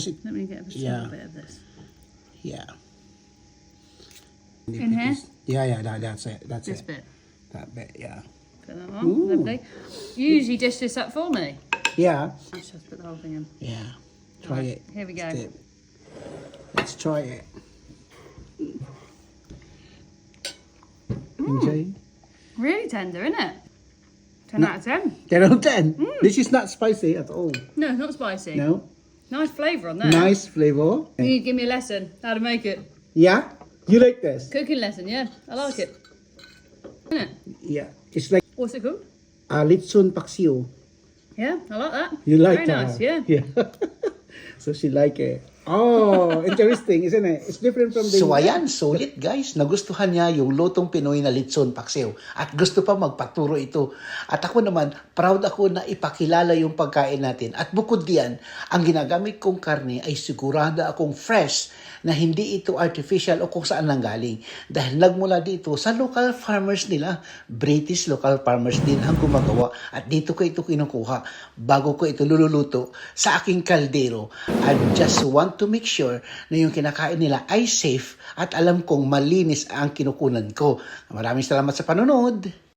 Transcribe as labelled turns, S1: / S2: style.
S1: Let me get a
S2: Yeah.
S1: bit of this.
S2: Yeah.
S1: In here?
S2: Yeah, that's it. That's
S1: This
S2: it.
S1: bit.
S2: That bit, yeah.
S1: Put that on. Lovely. You usually dish this up for me.
S2: Yeah.
S1: Let's just put the whole thing in.
S2: Yeah. Try
S1: Right,
S2: it.
S1: here we go.
S2: Let's try it. Enjoy.
S1: Really tender, isn't it? 10 out of 10.
S2: 10 out of 10. This is not spicy at all.
S1: No, not spicy.
S2: No.
S1: Nice flavour on there.
S2: Nice flavor.
S1: You need to give me a lesson how to make it.
S2: Yeah? You like this?
S1: Cooking lesson, yeah. I like it. Isn't it?
S2: Yeah. It's like
S1: What's it called?
S2: litson paksiw.
S1: Yeah, I like that.
S2: You like
S1: Very
S2: that?
S1: nice, yeah.
S2: Yeah. So she like it. Oh, interesting, isn't it? It's different from the...
S3: So ayan, sulit guys. Nagustuhan niya yung lutong Pinoy na litson paksiw. At gusto pa magpaturo ito. At ako naman, proud ako na ipakilala yung pagkain natin. At bukod diyan, ang ginagamit kong karne ay sigurado akong fresh na hindi ito artificial o kung saan nanggaling. Dahil nagmula dito sa local farmers nila. British local farmers din ang gumagawa. At dito ko ito kinukuha bago ko ito lululuto sa aking kaldero. I just want to make sure na yung kinakain nila ay safe at alam kong malinis ang kinukunan ko. Maraming salamat sa panonood.